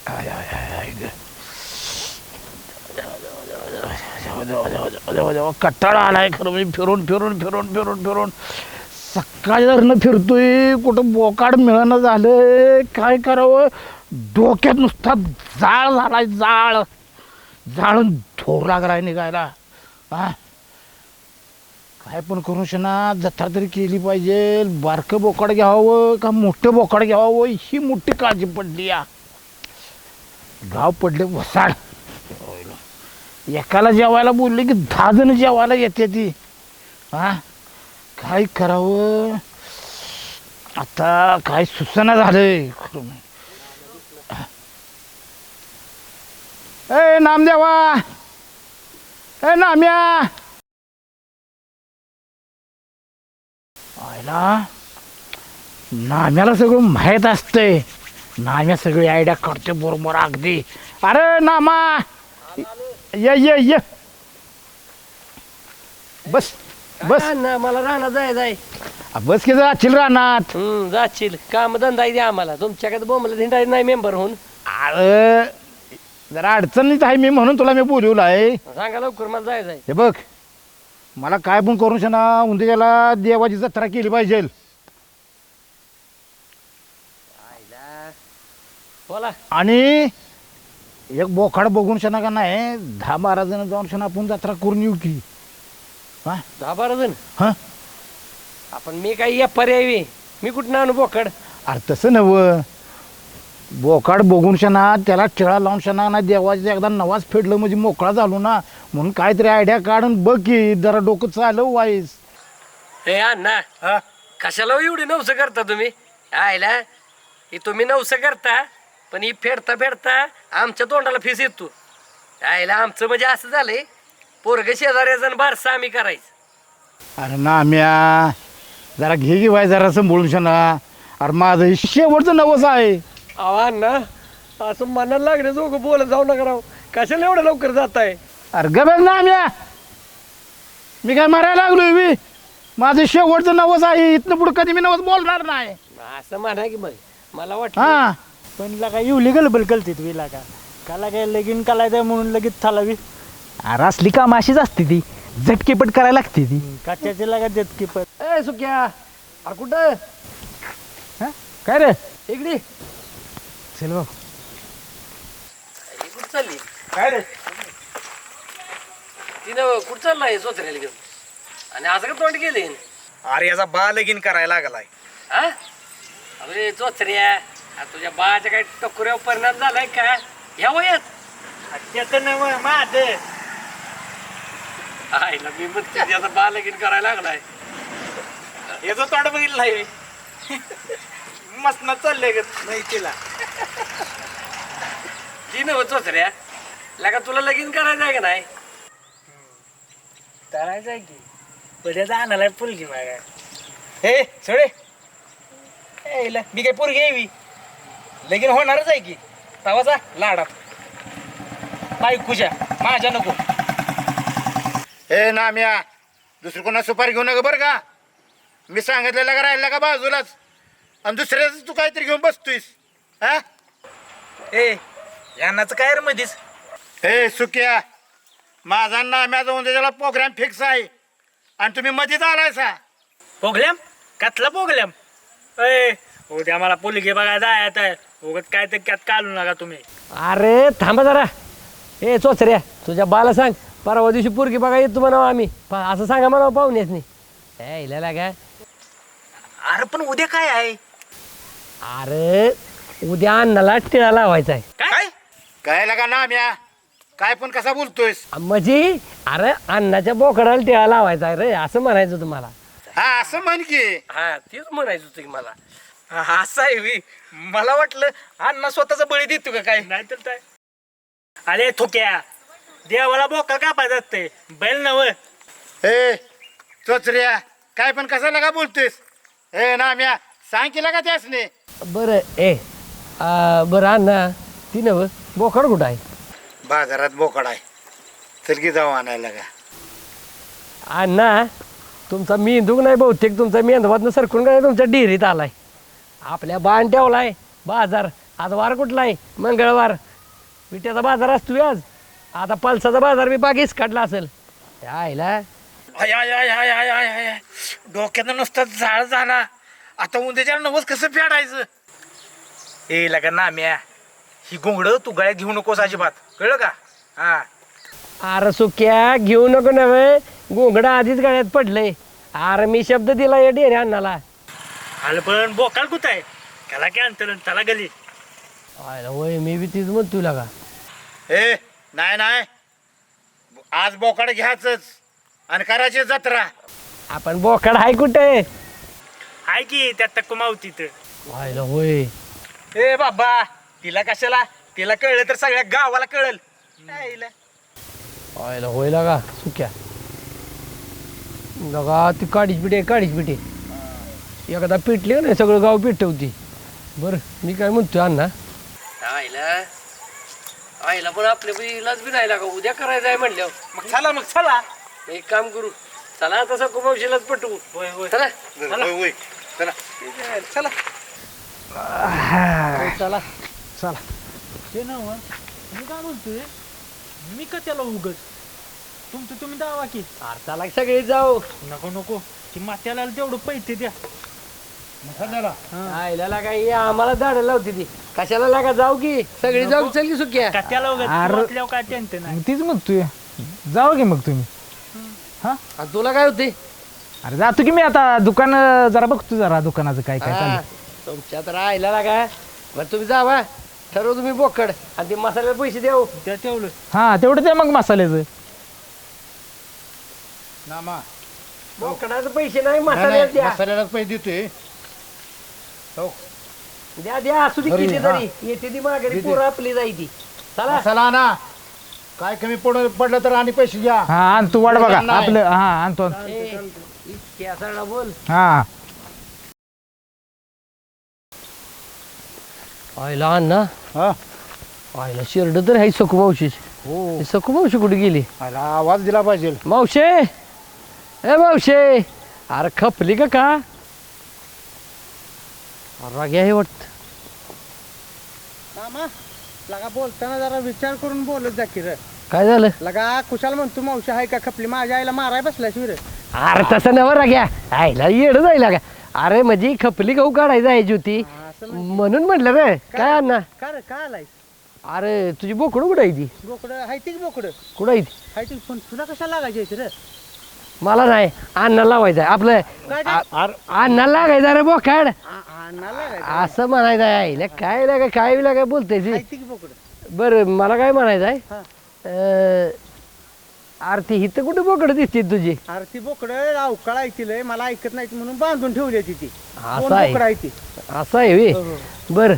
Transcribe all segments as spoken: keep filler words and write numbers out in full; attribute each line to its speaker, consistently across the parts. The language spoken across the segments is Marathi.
Speaker 1: आय आय आय कट्टाळा आलाय खरं मी फिरून फिरून फिरून फिरून फिरून सकाळी धरणं फिरतोय कुठं बोकाड मिळणं झालं काय करावं डोक्यात नुसता जाळ झालाय जाळ जाळून धोर लागलाय निघायला हा काय पण करू शना जत्रा तरी केली पाहिजे बारकं बोकाड घ्यावं का मोठं बोकाड घ्यावं ही मोठी काळजी पडली या गाव पडले वसाड एकाला जेवायला बोलले की दहा जण जेवायला येते ती हा काय करावं आता काय सुचना झालंय ए नामदेवा ए नाम्या आयला नाम्याला सगळं माहीत असतंय नाम्या सगळी आयडिया करते बरोबर अगदी अरे नामा ये ये ये बस बस
Speaker 2: ना मला राहणार जाय जाय
Speaker 1: बस की जाशील रानात
Speaker 2: हम्म जाशील काम धंदा द्या आम्हाला तुमच्याकडे बोंबला धिंडा नाही मेंबर होऊन
Speaker 1: अरे जरा अडचणीत आहे मी म्हणून तुला मी बोलवलं आहे
Speaker 2: सांगा लवकर मला जाय जाय
Speaker 1: हे बघ मला काय पण करून शना उंदियाला देवाची जत्रा केली पाहिजे
Speaker 2: बोला
Speaker 1: आणि एक बोखाड बघून शना का नाही दहा बारा जण जाऊन शना आपण जत्रा करून येऊ की हा
Speaker 2: दहा बारा जण
Speaker 1: हां
Speaker 2: आपण मी काही या पर्यायी मी कुठं आणू बोकड
Speaker 1: अरे तसं नवं बोकाड बघून शना त्याला टिळा लावून शना ना देवाचं एकदा नवाज फेडलं म्हणजे मोकळा झालो ना म्हणून काहीतरी आयडिया काढून बघ की जरा डोकं चालव वाईस
Speaker 2: हे अण्णा कशाला एवढी नवसं करता तुम्ही आयला ही तुम्ही नवसं करता पण ही फेडता फेडता आमच्या तोंडाला फीस येतो आयला आमचं म्हणजे असं झालंय पोरग शेजाऱ्याजण बारसा आम्ही करायचं
Speaker 1: अरे ना म्या जरा घे घे वाय जरा बोलून शना अरे माझं हे शेवटचं नवस आहे
Speaker 2: आव्हान ना असं मनाला लागले दोघं बोलत जाऊ नका राव कशाला एवढं लवकर जात आहे
Speaker 1: अरे गबेल ना म्या मी काय मारायला लागलोय मी माझं शेवटचं नवस आहे इथनं पुढं कधी मी नवस बोलणार नाही
Speaker 2: असं म्हणा की मग मला वाटतं
Speaker 1: हा
Speaker 3: पण लगा एवढी गलबल कळते तुम्ही लागा काला काय लगीन कालायचं म्हणून लगेच थालावी
Speaker 4: अरे असली काम अशीच असते ती झटकेपट करायला लागते ती
Speaker 3: काच्याचे लागा देत की पण
Speaker 2: ए सुक्या अरे कुठं
Speaker 1: हा? काय रे
Speaker 2: इकडे
Speaker 1: चल भाऊ
Speaker 2: कुठं चालली
Speaker 1: काय रे
Speaker 2: तिनं कुठं चाललाय सोत्र्याला घेऊन आणि असं का तोंड गेले
Speaker 5: अरे याचा बा लगीन करायला लागलाय
Speaker 2: हा अरे चोचऱ्या तुझ्या बाच्या काही टकुऱ्यावर परिणाम झालाय का ह्या वयात
Speaker 3: त्याचं नव माझं
Speaker 2: आईला मी म्हणते त्याचा बा लगीन करायला लागलाय
Speaker 5: याचं तोंड बघितलं नाही मस्त चाललंय ग नाही तिला
Speaker 2: जी नव चोचऱ्या लगा तुला लगीन करायचं आहे का नाही
Speaker 3: करायचं आहे की पुढे आणायला पुलगी मागा
Speaker 5: हे सळे ए, ला, मी काय पोरगी यावी लगीन होणारच आहे की तवाचा लाडात बायकोच्या माझ्या नको
Speaker 1: हे ना म्या दुसरी कोणा सुपारी घेऊ नका बरं का मी सांगितलेलं का राहिला का बाजूलाच आणि दुसऱ्याच तू काहीतरी घेऊन बसतोयस हा
Speaker 5: ए यांनाच काय रे मधीच
Speaker 1: हे सुक्या माझा नाम्या जाऊन त्याला प्रोग्राम फिक्स आहे आणि तुम्ही मध्येच आलायसा
Speaker 3: पोगल्याम कातला पोगल्याम ए उद्या मला पुलगी बघायला जायचं आहे उगत काय तर त्यात काढू नका तुम्ही
Speaker 2: अरे थांबा जरा ए चोचऱ्या तुझ्या बाला सांग परवा दिवशी पोरगी बघा येतो म्हणावं आम्ही प- असं सांगा म्हणावं पाहुण्याच नाही ए इला लागा
Speaker 5: अरे पण उद्या काय आहे
Speaker 2: अरे उद्या अन्नाला टिळा लावायचा आहे
Speaker 5: काय
Speaker 1: काय लागा नाम्या काय पण कसा बोलतोयस
Speaker 2: म्हणजे अरे अन्नाच्या बोकडाला टिळा लावायचा आहे रे असं म्हणायचं तुम्हाला
Speaker 1: हा असं म्हण की
Speaker 2: हा तेच म्हणायचं होतं की मला
Speaker 5: हा, असं आहे वी मला वाटलं अण्णा स्वतःचा बळी देतो का काय
Speaker 3: नाही तर काय अरे थोक्या देवाला बोका कापायचं असते बैल नव
Speaker 1: हे चोचऱ्या काय पण कसा लागा बोलतोयस हे नाम्या सांग की लागा त्यासने
Speaker 2: बरं ए आ, बरं अण्णा ती नव बोकड कुठं आहे
Speaker 1: बाजारात बोकड आहे चल की जाऊ आणायला का
Speaker 2: अण्णा तुमचा मेंदूक नाही बहुतेक तुमचा मेंदवातनं सरकून काय तुमच्या डेअरीत आलाय आपल्या बाण ठेवलाय बाजार आज वार कुठला आहे मंगळवार विट्याचा बाजार असतो आज आता पलसाचा बाजार मी बागेच काढला असेल आईला
Speaker 5: आय आय आय आय आय आय आय आय. डोक्यानं नुसता जाळ झाला आता उद्याच्या नवस कसं फेडायचं ए लगा नाम्या ही घोंगड तू गळ्यात घेऊ नकोस अजिबात कळलं का हा
Speaker 2: अरे सुक्या घेऊ नको नव्हे गोंगडा आधीच गळ्यात पडलंय अरे मी शब्द दिला या डेरे अण्णाला
Speaker 3: आलं पण बोकाल कुठं आहे त्याला काय अंतर त्याला गली
Speaker 2: आयला होय मी बी तीच म्हणतो तुला का
Speaker 5: ए नाही नाही आज बोकाड घ्यायचंच आणि करायची जत्रा
Speaker 2: आपण बोकड आहे कुठे
Speaker 3: आहे की त्यात तक्क मावती तर
Speaker 2: आयला होय
Speaker 5: ए बाबा तिला कशाला तिला कळलं तर सगळ्या गावाला कळल
Speaker 2: आयला होय लागा सुक्या लगा ती काडीच पिटे काडीच पिटे एखादा पिटली नाही सगळं गाव पिटवती बरं मी काय म्हणतोय अण्णा आईला आईला पण आपल्या बिलाच बी नाही लागा उद्या करायचं आहे म्हणल्यावर
Speaker 5: मग चला मग चला
Speaker 2: एक काम करू चला तसं कुमावशीलाच पटवू
Speaker 5: होय होय
Speaker 2: चला
Speaker 5: होय होय चला चला
Speaker 2: चला
Speaker 1: चला
Speaker 3: ते ना मी काय बोलतोय मी का त्याला उगत तुमचं तुम्ही दावा की
Speaker 2: अरे चला सगळे जाऊ
Speaker 3: नको नको ती मात्याला तेवढं पैसे द्या
Speaker 2: आईला लागा ही आम्हाला दाड लावते ती कशाला लागा जाऊ की सगळी जाऊ चल की सुक्या
Speaker 3: का त्याला उगत
Speaker 1: अरे.
Speaker 3: वाटल्यावर काय टेन्शन नाही
Speaker 1: मग तीच म्हणतोय जाऊ की मग तुम्ही
Speaker 2: आणि तुला काय होते
Speaker 1: अरे जातो की मी आता दुकान अं, जरा बघतो जरा दुकानाचं काय काय
Speaker 2: हा,
Speaker 1: चालू
Speaker 2: तुमच्या तर आईला लागा बरं तुम्ही जावा ठरव तुम्ही बोकड आणि ते मसाल्याला पैसे देऊ
Speaker 3: त्या तेवढं
Speaker 1: हा तेवढं ते मग मसाल्याचं
Speaker 6: नामा
Speaker 2: बोकडाचे पैसे नाही मसाल्याला द्या
Speaker 6: मसाल्याला पैसे देतोय
Speaker 2: द्या द्या असू दे किती तरी येते ती माघारी पोरं आपली जाई ती चला
Speaker 6: मसाला ना काय कमी पड पडलं तर आणि पैसे घ्या
Speaker 1: हा आणतो वाट बघा
Speaker 6: नाही.
Speaker 1: आपलं हा आणतो
Speaker 2: ए, इतक्या सगळा बोल
Speaker 1: हा
Speaker 2: आईला अण्णा
Speaker 6: हा
Speaker 2: आईला शिरड तर आहे सकू मावशी
Speaker 6: हो
Speaker 2: सकू मावशी कुठे गेली
Speaker 6: मला आवाज दिला पाहिजे
Speaker 2: मावशे ए मावशे अरे खपली का का राग्या हे वाटत
Speaker 7: मामा लगा बोलताना जरा विचार करून बोलत जा की रे
Speaker 2: काय झालं
Speaker 7: लगा कुशाल म्हणतो मावशी आहे का खपली माझ्या आईला माराय बसलाय शिवरे
Speaker 2: अरे तसं नव राग्या आईला येड जाईल का अरे म्हणजे खपली गहू काढायची आहे ज्योती म्हणून म्हटलं रे काय अण्णा
Speaker 7: का रे काय आलाय
Speaker 2: अरे तुझी बोकडं कुठं आहे ती
Speaker 7: बोकडं हाय ती बोकडं
Speaker 2: कुठं आहे ती
Speaker 7: हाय ती पण तुला कशाला लागायची रे
Speaker 2: मला नाही अण्णा लावायचं आहे आपलं
Speaker 7: काय ते?
Speaker 2: आ- अण्णा लागायचं रे बोकाड
Speaker 7: अन्ना लागायची
Speaker 2: असं म्हणायचं आहे आईला काय लागा काय बी लागा बोलते
Speaker 7: हाय ती बोकडं
Speaker 2: बरं मला काय म्हणायचं आहे
Speaker 7: हा.
Speaker 2: अं, अरे ती हिथं कुठे बोकडं दिसते तुझी
Speaker 7: अरे ती बोकडं अवकाळ ऐकलंय मला ऐकत नाही म्हणून बांधून ठेवली ती ती
Speaker 2: असं
Speaker 7: दोन
Speaker 2: आहे.
Speaker 7: बोकडं आहे ती
Speaker 2: असं आहे वे
Speaker 7: हो, हो.
Speaker 2: बर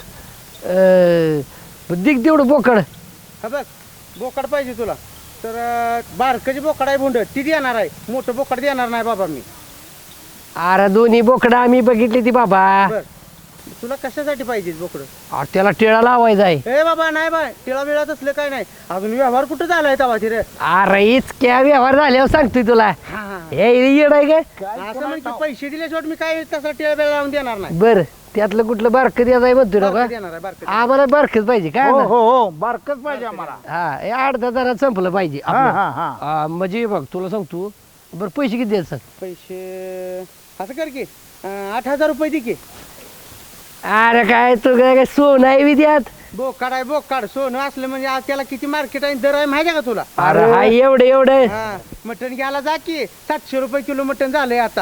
Speaker 2: दिग तेवढं बोकड
Speaker 7: हा बघ बोकड पाहिजे तुला तर अं, बारकाची बोकड आहे भोंड ती देणार आहे मोठं बोकड देणार नाही बाबा मी
Speaker 2: अरे दोन्ही बोकडं आम्ही बघितली ती बाबा
Speaker 7: बर तुला कशासाठी पाहिजे बोकडं
Speaker 2: अरे त्याला टिळा लावायचा आहे
Speaker 7: ए बाबा नाही बाय टिळा बिळात असलं काय नाही अजून व्यवहार कुठं झालाय तवा रे
Speaker 2: अरे इतक्या व्यवहार झाल्यावर सांगतोय तुला हे येड आहे काय
Speaker 7: असं म्हणजे पैसे दिल्याशिवाय मी काय तसा टिळा बिळा लावून देणार नाही
Speaker 2: बर त्यातलं कुठलं बारकं द्यायचं आहे म्हणतोय ना
Speaker 7: बारकं
Speaker 2: का
Speaker 7: देणार आहे बारकं
Speaker 2: आम्हाला बारकच पाहिजे काय
Speaker 6: हो
Speaker 2: ना?
Speaker 6: हो हो बारकच पाहिजे आम्हाला
Speaker 2: हा हे अर्धा हजारात संपलं पाहिजे
Speaker 6: हा
Speaker 2: आपलं.
Speaker 6: हा हा
Speaker 2: हा, म्हणजे बघ तुला सांगतो बरं पैसे किती द्यायचं सांग
Speaker 7: पैसे असं कर की अं, आठ हजार रुपये दे की
Speaker 2: अरे काय तू काय काय सोन आहे विद्यात
Speaker 7: बोकाड आहे बोकाड सोनं असलं म्हणजे आज त्याला किती मार्केट आहे दर आहे माहिती आहे का तुला
Speaker 2: अरे हा एवढं एवढं
Speaker 7: हा मटण घ्यायला जा की सातशे रुपये किलो मटण झालंय आता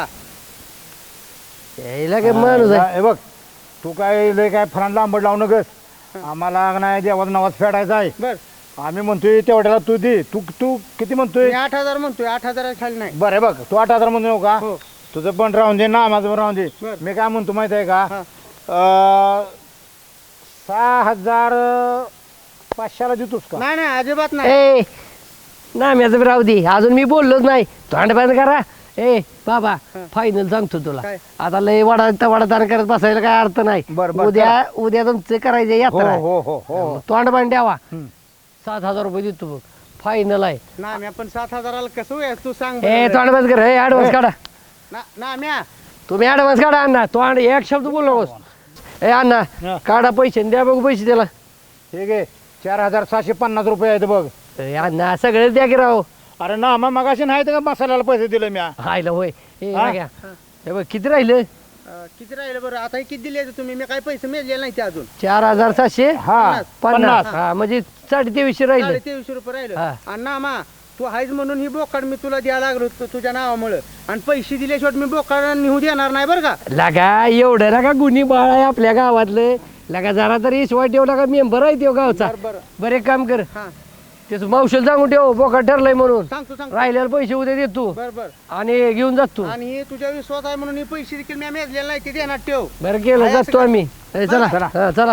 Speaker 2: यायला काय माणूस आहे
Speaker 6: हे बघ तू काय लय काय फरान लांबड लावू नकस आम्हाला नाही देवाचा नवाज फेडायचा आहे
Speaker 7: बर
Speaker 6: आम्ही म्हणतोय तेवढ्याला तू दे तू तू किती म्हणतोय
Speaker 7: मी आठ हजार म्हणतोय आठ हजाराच्या खाली नाही
Speaker 6: बरं बघ तू आठ हजार म्हणतो का
Speaker 7: हो
Speaker 6: तुझं पण राहून दे ना माझं पण राहून दे
Speaker 7: बरं.
Speaker 6: मी काय म्हणतो माहिती आहे का
Speaker 7: हा.
Speaker 6: अं, सहा हजार पाचशेला देतोस का
Speaker 7: नाही नाही अजिबात नाही
Speaker 2: ए नाम्याचं राहू दे अजून मी बोललोच नाही तोंड बंद करा ए बाबा फायनल सांगतो तुला
Speaker 7: काय?
Speaker 2: आता लय वडा वडा दान करत बसायला काय अर्थ नाही
Speaker 6: बरं, बरं,
Speaker 2: उद्या उद्या तुमचे करायचे
Speaker 6: हो
Speaker 2: यात्रा आहे.
Speaker 6: हो हो हो
Speaker 2: तोंड बंद द्यावा सात हजार रुपये देतो बघ फायनल आहे
Speaker 7: ना म्या पण सात हजाराला कसं होय तू सांग
Speaker 2: ए
Speaker 7: बरं.
Speaker 2: तोंड बंद कर ऍडव्हान्स काढा
Speaker 7: ना ना म्या
Speaker 2: तुम्ही ऍडव्हान्स काढा अण्णा तोंड एक शब्द बोल नकोस ए अण्णा काढा पैसे आणि द्या बघू पैसे त्याला.
Speaker 6: ठीक आहे चार हजार सहाशे पन्नास रुपये आहेत बघ.
Speaker 2: ए अण्णा सगळेच द्या की राव.
Speaker 6: अरे ना मग मगाशी नाही तर का मसाल्याला पैसे दिले मी.
Speaker 2: हायला होय. ए
Speaker 6: हा?
Speaker 2: घ्या. हे बघ किती राहिलं.
Speaker 7: अं, किती राहिलं बरं आता हे किती दिले तुम्ही मी काही पैसे मिळाले नाही ते अजून
Speaker 2: चार हजार सातशे
Speaker 6: हा
Speaker 2: पन्नास.
Speaker 6: पन्नास.
Speaker 2: हा म्हणजे साडे तेवीसशे राहिलं.
Speaker 7: साडे तेवीसशे रुपये राहिलं
Speaker 2: हा.
Speaker 7: आणि ना मा तू आहेस म्हणून ही बोकाड मी तुला द्यायला लागलो होतो तुझ्या नावामुळं आणि पैसे दिल्याशिवाय मी बोकाड निघू देणार नाही बरं का.
Speaker 2: लगा एवढं लगा गुन्ही बाळ आहे आपल्या गावातलं. लगा जरा तरी इसवाय ठेव लगा मेंबर आहे तो गावचा.
Speaker 7: बरं बरं
Speaker 2: बरं एक काम कर
Speaker 7: हा
Speaker 2: त्याचं मावशीला सांगून ठेव बोका ठरलंय म्हणून.
Speaker 7: सांगतो सांगतो
Speaker 2: राहिलेले पैसे उद्या देतो
Speaker 7: बरं बरं
Speaker 2: आणि घेऊन जात तू.
Speaker 7: आणि हे तुझ्या विश्वास आहे म्हणून हे पैसे देखील मी मेजलेले नाही ते देणार ठेव.
Speaker 2: बरं केलं
Speaker 7: आहे असं
Speaker 2: जातो
Speaker 7: का?
Speaker 2: आम्ही. ए, चला हा, चला.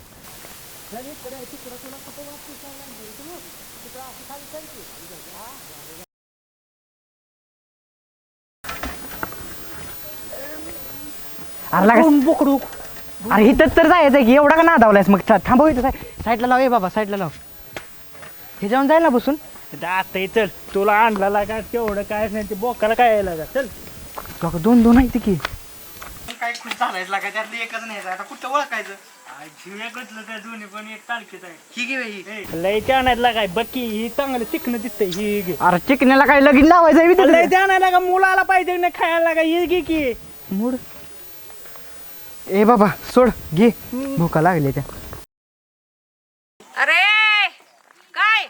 Speaker 4: अरे लागा बोकडू. अरे इथं तर जायचं की एवढा का नादावलायस मग था- थांबव इथं साईडला लाव. ए बाबा साईडला लाव. हे जाऊन जाईल ना बसून.
Speaker 3: आता चल तुला आणला लागा तेवढं काय नाही ते बोकाला काय यायला लागा चल.
Speaker 4: काका दोन दोन आहे की.
Speaker 5: काय खुश झालायच लागा त्यातलं एकच नाही आता कुठं ओळखायचं.
Speaker 3: एकच काय दोन्ही पण एक तारखेत आहे.
Speaker 5: ही घे ही.
Speaker 3: लय ते आणायला लागाय बक्की ही चांगलं चिकन दिसतंय ही घे.
Speaker 4: अरे चिकण्याला काय लगीन लावायचं आहे
Speaker 3: लय ते आणायला लागा मुलाला पाहिजे नाही खायला लागा ही घे की.
Speaker 4: मूड. ए बाबा सोड घे भूका लागली त्या.
Speaker 8: अरे काय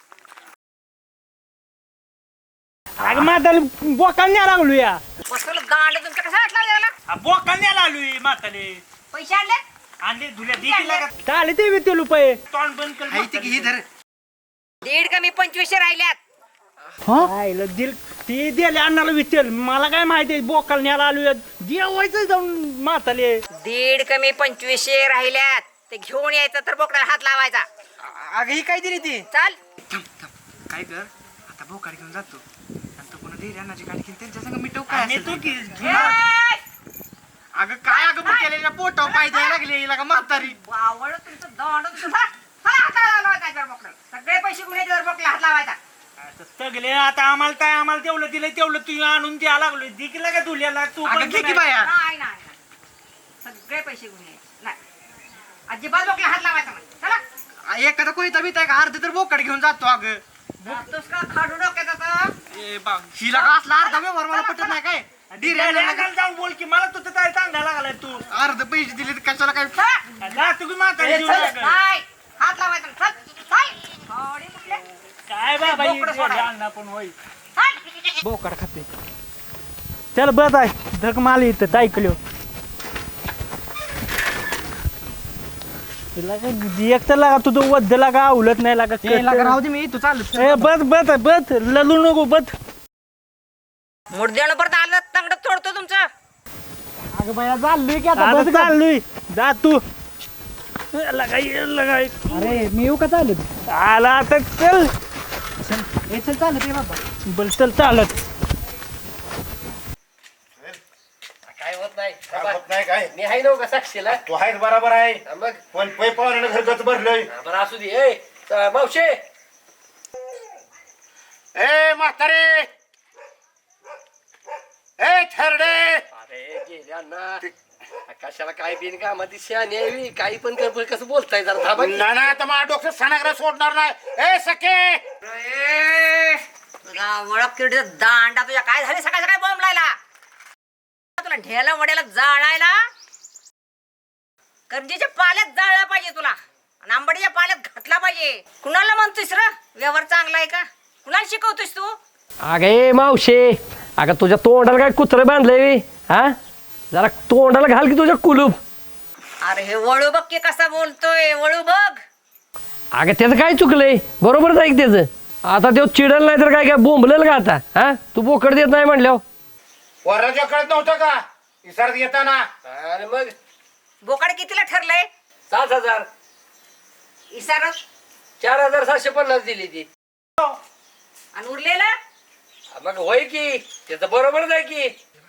Speaker 3: अगं म्हातारी बोकाला न्यायला लागलो या.
Speaker 8: बसवलं गांड तुमच्या कसा वाटला याला
Speaker 3: बोकाला न्यायला आलोय म्हातारे.
Speaker 8: पैसे आणले
Speaker 3: आणले धुल्या देखील लागा. चाले ते बी ते रुपये तोंड बंद कर.
Speaker 5: ही धर.
Speaker 8: दीड कमी पंचवीसशे राहिल्यात.
Speaker 3: आईला दिल ती दिले अण्णाला विचार मला काय माहिती बोकाला न्यायला आलोय जेवायचं जाऊन म्हाताले.
Speaker 8: दीड कमी पंचवीसशे राहिल्यात ते घेऊन यायचं तर बोकडाला हात लावायचा.
Speaker 5: अगं ही काय दिली ती.
Speaker 8: चाल
Speaker 5: काय कर आता भोकाड घेऊन जातो आणि तो कोणा देरी अन्नाची गाडी घेऊन त्यांच्या संग मिटव काय
Speaker 3: आणि
Speaker 5: असेल
Speaker 3: तू
Speaker 5: ते.
Speaker 3: की
Speaker 8: ए!
Speaker 5: अगं काय अगं मग केलेल्या पोटाव पाय द्यायला लागले हिला का म्हातारी.
Speaker 8: वावळ तुमचं दंड तुझा हात लावायचा जर बोकडाला सगळे पैसे घेऊन यायचे जर बोकडाला हात लावायचा.
Speaker 3: सगळे आता आम्हाला काय आम्हाला तेवढं दिलंय तेवढं तू आणून द्यायला लागलोय दिकीला का धुल्याला तू
Speaker 5: अगं
Speaker 3: पण
Speaker 5: घे की
Speaker 3: नाही.
Speaker 5: बाया.
Speaker 8: नाही नाही नाही. सगळे पैसे घेऊन यायचे नाही अजिबात बोकडाला हात लावायचा नाही. चला
Speaker 5: एखादा कोयता बीत आहे का अर्ध तर बोकाड घेऊन जातो अगं.
Speaker 8: जातोस का खाडू डोक्याचा तर?
Speaker 5: ए बा हिला का असला अर्धा व्यवहार मला पटत नाही काय. डिरी
Speaker 3: त्याला
Speaker 5: अन्नाला
Speaker 3: एकाला जाऊन बोल की मला तुझं काय चांगला लागलाय तू
Speaker 5: अर्ध पैसे दिले तर कशाला काय.
Speaker 8: चला.
Speaker 3: जा तुम्ही म्हातारी
Speaker 8: ए,
Speaker 3: जीव
Speaker 8: चल.
Speaker 3: लागल.
Speaker 8: नाही हात लावायचा नाही. चल चल थोडी कुठले
Speaker 3: काय बाबा ही
Speaker 8: बोकडं सोडाय.
Speaker 3: अण्णा पण होई.
Speaker 8: चल.
Speaker 4: बोकाड खाते.
Speaker 3: चल बस आहे धक माल इथं ऐकलो एक तर लागा तुझं वद्द लागा उलट नाही लागा
Speaker 4: राहू दे मी तू चाल.
Speaker 3: ए, बस बस बस ललू नको बस.
Speaker 8: मुडद्यानं परत आलं तंगडत तोडतो तुमचं.
Speaker 4: अगं बाया चाललोय की आता
Speaker 3: आता
Speaker 4: बस.
Speaker 3: चाललोय जा तू लगा ये लगा ये.
Speaker 4: अरे मी येऊ का चालत.
Speaker 3: आला आता चल
Speaker 4: ए चल चालत आहे बाबा.
Speaker 3: बल चल चालत.
Speaker 2: काय होत नाही.
Speaker 6: होत नाही काय
Speaker 2: मी आहे नव्हतं का साक्षीला.
Speaker 6: तू आहेस बरोबर आहे
Speaker 2: हा, मग
Speaker 6: पण पै पाहुण्यानं घरगच भरलंय.
Speaker 2: हा, बरं असू दे. ए च- मावशे
Speaker 6: ए म्हातारे ए थरडे.
Speaker 2: अरे गेले अण्णा कशाला काय बिन का मध्ये शहाणी यावी काही पण कर कसं बोलताय जरा थांबा की.
Speaker 6: ना ना तर माझ्या डोक्यात सणाग्रा सोडणार नाही. ए सखे
Speaker 8: ए, तुझा ओळख किरडीचा दांडा तुझ्या काय झाले सकाळ सकाळी बॉम्ब लायला तुला ढेला वड्याला जाळायला करंजीच्या पाल्यात जाळला पाहिजे तुला आणि आंबडीच्या पाल्यात घातला पाहिजे. कुणाला म्हणतोस र व्यवहार चांगला आहे का कुणाला शिकवतोस तू?
Speaker 2: अगं ए मावशे अगं तुझ्या तोंडाला काय कुत्रं बांधलंय हा जरा तोंडाला घाल की तुझ्या कुलूप.
Speaker 8: अरे हे वळू बघ की कसा बोलतोय वळू बघ.
Speaker 2: अगं त्याचं काय चुकलंय बरोबरच आहे की त्याचं. आता तो चिडल नाही तर काय काय बोंबलेल का आता हा तू बोकड देत नाही म्हणल्यावर.
Speaker 6: वराच्या कळत नव्हतं का इसारत येताना.
Speaker 2: अरे मग
Speaker 8: बोकाड कितीला ठरलंय?
Speaker 2: सात हजार
Speaker 8: इसार
Speaker 2: चार हजार सातशे पन्नास दिली ती.
Speaker 8: आणि उरलेला
Speaker 2: मग होय की त्याचं बरोबरच आहे की.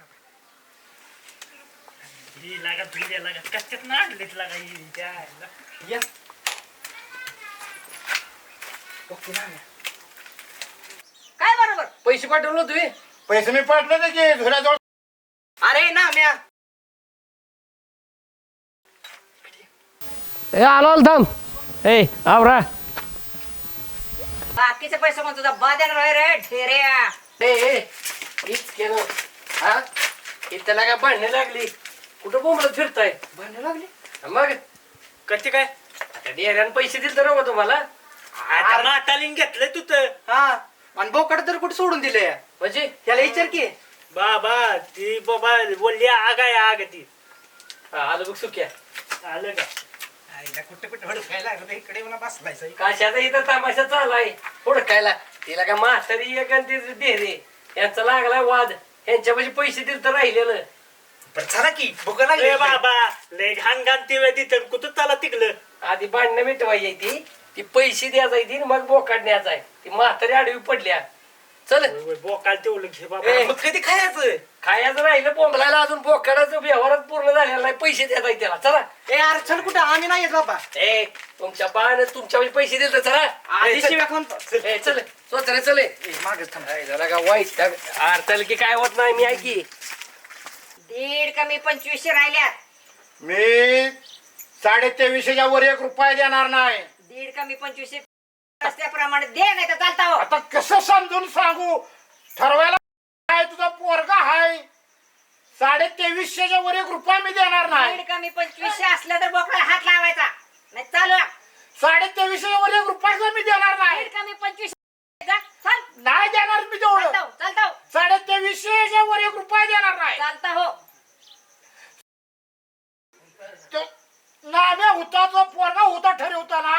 Speaker 3: ही लागा धुल्या लागा कशात ना आणलीत लागा ही द्यायला.
Speaker 2: या.
Speaker 8: काय बरोबर?
Speaker 2: पैसे पाठवलं तुम्ही.
Speaker 6: पैसे मी पाठले ते की झुल्याजवळ.
Speaker 5: अरे ना म्या
Speaker 2: ए आलो आलो थांब ए आवरा
Speaker 8: बाकीचे पैसे कोण तुझा बा देणार आहे रे ढेऱ्या.
Speaker 2: ए ए हीच केलं हा इथं लागा भांडणं लागली कुठं बोंबलत फिरताय भांडणं लागली मग
Speaker 3: कधी काय
Speaker 2: आता डेऱ्यानं पैसे दिले तर बघा तुम्हाला
Speaker 3: आता मातालीन घेतलंय तू तर
Speaker 4: हा आणि बोकड तर कुठे सोडून दिले
Speaker 2: म्हणजे
Speaker 4: त्याला विचार की
Speaker 3: बाबा ती बाबा बोलली आग आहे आग ती
Speaker 2: हा, आलं बघ सुक्या
Speaker 3: आलं का
Speaker 5: कुठे कुठे हुडकायला लागलं इकडे येऊन बसलायचं
Speaker 2: कशाचा इथं तमाशा चाललाय हुडकायला तिला का म्हातारी एक आणि ती डेरे यांचा लागलाय वाद यांच्यापाशी पैसे दिले तर राहिलेलं
Speaker 5: बरं चला की भुका
Speaker 3: ए
Speaker 5: लागली
Speaker 3: बाबा लय घाण घाण ती वेळ तिथं कुठं चाला तिकलं
Speaker 2: आधी भांडणं मिटवायची ती ती पैसे द्यायचा ती मग बोकाड न्यायचा आहे ती म्हातारी आडवी पडल्या चल
Speaker 3: बोकाल तेवढं घे बाबा
Speaker 2: ए,
Speaker 5: मग कधी खायचं
Speaker 2: खायचं राहिलं बोंबलायला अजून बोकाडाचं व्यवहारच पूर्ण झालेला नाही पैसे देत आहे त्याला चला
Speaker 4: ए अरे चल कुठं आम्ही नाही येत बाबा
Speaker 2: ए तुमच्या बाण तुमच्या पैसे दिले चला
Speaker 4: आधी
Speaker 2: ए, चल.
Speaker 4: शिव्या खाऊन
Speaker 2: ए, चल स्वतःला चले
Speaker 4: मागच थांब
Speaker 2: झाला का वाईट अर्थाल की काय होत नाही मी ऐकी
Speaker 8: दीड कमी पंचवीसशे राहिल्यात.
Speaker 6: मी साडे तेवीसशेच्या वर एक रुपया देणार नाही.
Speaker 8: दीड कमी पंचवीसशे रस्त्याप्रमाणे दे नाही तर चालता हो.
Speaker 6: आता कसं समजून सांगू ठरवायला काय तुझा पोरगा हाय साडे तेवीसशेच्या वर एक रुपया मी देणार नाही.
Speaker 8: दीड कमी पंचवीसशे असलं तर बोकडाला हात लावायचा नाही चालू
Speaker 6: साडे तेवीसशेच्या वर एक रुपया मी देणार नाही.
Speaker 8: दीड कमी पंचवीस जा, चल
Speaker 6: नाही देणार मी तेवढं.
Speaker 8: चालता हो, चालता हो.
Speaker 6: साडे तेवीसशेच्या वर एक रुपया देणार नाही.
Speaker 8: चालता हो.
Speaker 6: तो नाम्या होता तो पोरगा होता ठरवता ना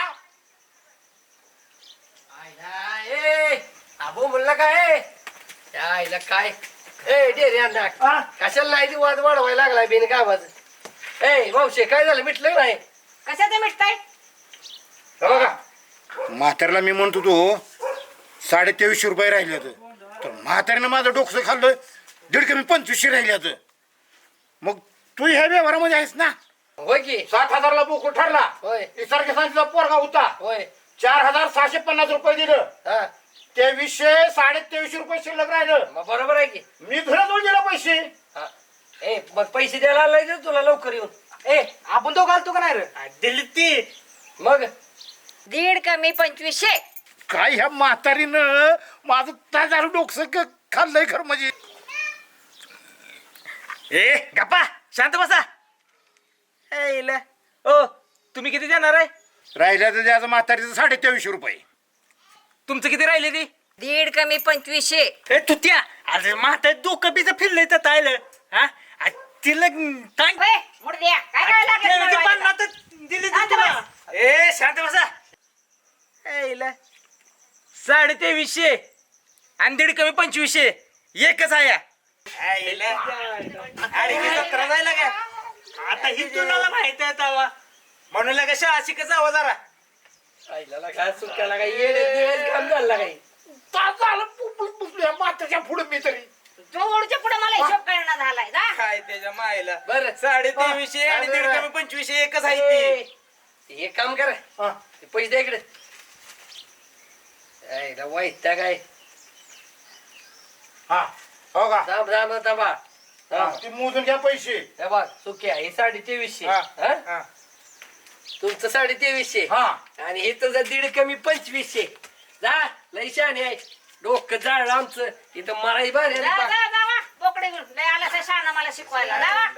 Speaker 2: ए आबो म्हणलं काय त्या आईला काय ए डेरे अण्णा कशाला नाही ती वाद वाढवायला लागलाय बिन गावाच ए मावशे काय झालं मिटलं का नाही
Speaker 8: कशाचं मिटताय
Speaker 6: हे बघा म्हाताऱ्याला मी म्हणतो तो साडे तेवीसशे रुपये राहिले तर म्हाताऱ्यानं माझं डोकसं खाल्लं दीड कमी पंचवीसशे राहिले मग तू ह्या व्यवहारामध्ये आहेस ना.
Speaker 2: होय की
Speaker 6: सात हजारला बोकड ठरला
Speaker 2: होय
Speaker 6: सारखे सांगितलं पोरगा होता
Speaker 2: होय
Speaker 6: चार हजार सहाशे पन्नास रुपये दिलं
Speaker 2: हा
Speaker 6: तेवीसशे साडे तेवीसशे रुपये शिल्लक राहिलं.
Speaker 2: मग बरोबर आहे की
Speaker 6: मी तुला दोन दिला पैसे.
Speaker 2: हा. ए मग पैसे द्यायला आलाय ना तुला लवकर येऊन
Speaker 4: ए आपण तो घालतो का नाही रे
Speaker 3: दिली ती
Speaker 2: मग
Speaker 8: दीड कमी पंचवीसशे
Speaker 6: काय ह्या म्हातारीनं माझं ताजार डोकसं क- खाल्लंय खरं म्हणजे.
Speaker 5: ए गप्पा शांत बसा ए इला. ओ तुम्ही किती देणार आहे
Speaker 6: राहिल्या तर त्याचं म्हातारीचं साडे तेवीसशे रुपये.
Speaker 5: तुमचं किती राहिले ती
Speaker 8: दीड कमी पंचवीसशे
Speaker 3: ए तू त्या अरे म्हातार डोकं बीचं फिरलंय तर तायलं हा आ, तिला टांग
Speaker 8: होय, मुड द्या काय करायला लागलं
Speaker 3: ते- ते
Speaker 8: तुम्हाला
Speaker 3: पन्नास
Speaker 8: वाईट?
Speaker 3: तर दिली
Speaker 8: शांत
Speaker 3: ती तुला.
Speaker 8: बस.
Speaker 5: ए शांत बसा ए इला. साडे तेवीसशे आणि दीड कमी पंचवीसशे एकच आहे या. ए इला. अरे ही सतरा जायला काय
Speaker 3: आता ही तुला माहित आहे तवा
Speaker 5: म्हणून लागा शाळा शिकत जावं जरा.
Speaker 2: आईला काय सुट्ट्याला काय येडे दिवस काम झाला काही
Speaker 6: तास झालं पुपळ पुसल्या म्हाताच्या पुढे मी तरी.
Speaker 8: जोडच्या पुढे मला हिशोब करणं झालाय जा.
Speaker 5: काय त्याच्या मायला
Speaker 2: बरं.
Speaker 5: साडे तेवीसशे आणि दीड कमी पंचवीसशे एकच आहे ती.
Speaker 2: हे काम करा
Speaker 6: हा.
Speaker 2: ते पैसे द्या इकडे आईला वाईट त्या काय
Speaker 6: हा हो का
Speaker 2: थांब थांब थांबा
Speaker 6: हा,
Speaker 2: थांब.
Speaker 6: ती मोजून घ्या पैसे.
Speaker 2: हे बघ सुक्या हे साडे तेवीसशे
Speaker 6: हा,
Speaker 2: हा?
Speaker 6: हा.
Speaker 2: तुमचं साडे तेवीसशे
Speaker 6: हा
Speaker 2: आणि हे तुझं दीड कमी पंचवीसशे जा लय शहाणे आहे डोकं जाळलं आमचं इथं मारायची बाहेर
Speaker 8: जा जा जावा बोकडे घेऊन लय आला तर शहाणा मला शिकवायला जावा.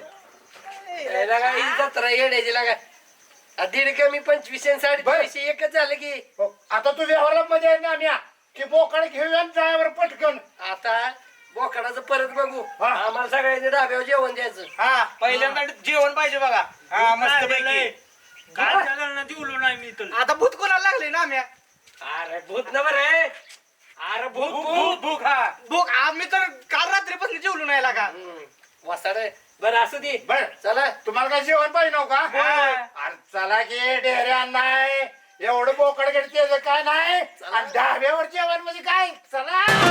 Speaker 2: जत्रा येड्याची लागा आ, दीड कमी पंचवीसशे आणि साडे तेवीसशे एकच झालं की
Speaker 6: हो, आता तू व्यवहाराला मध्ये आहे ना आम्ही की बोकड घेऊया आणि ड्रायव्हर पटकन.
Speaker 2: आता बोकडाचं परत बघू
Speaker 6: हा.
Speaker 2: आम्हाला सगळ्यांनी डाब्यावर जेवण द्यायचं
Speaker 5: हा पहिल्यांदा जेवण पाहिजे बघा हा मस्त पैकी
Speaker 3: काय झालं ना दिवलो नाही मी तुला
Speaker 4: आता भूत कोणाला लागले ना आम्ही
Speaker 2: अरे भूत न बरं आहे अरे भूत
Speaker 5: भूक
Speaker 2: भूत
Speaker 5: भूक भूक हा
Speaker 4: भूक आम्ही तर काल रात्रीपासून जेवलो नाही लागा
Speaker 2: वसाड बरं असू दे
Speaker 6: बर
Speaker 2: चला
Speaker 6: तुम्हाला काय जेवण पाहिजे नव्ह का
Speaker 5: हा.
Speaker 6: अरे चला की डेऱ्या नाही एवढं बोकड घेते काय नाही आणि ढाब्यावर जेवण म्हणजे काय चला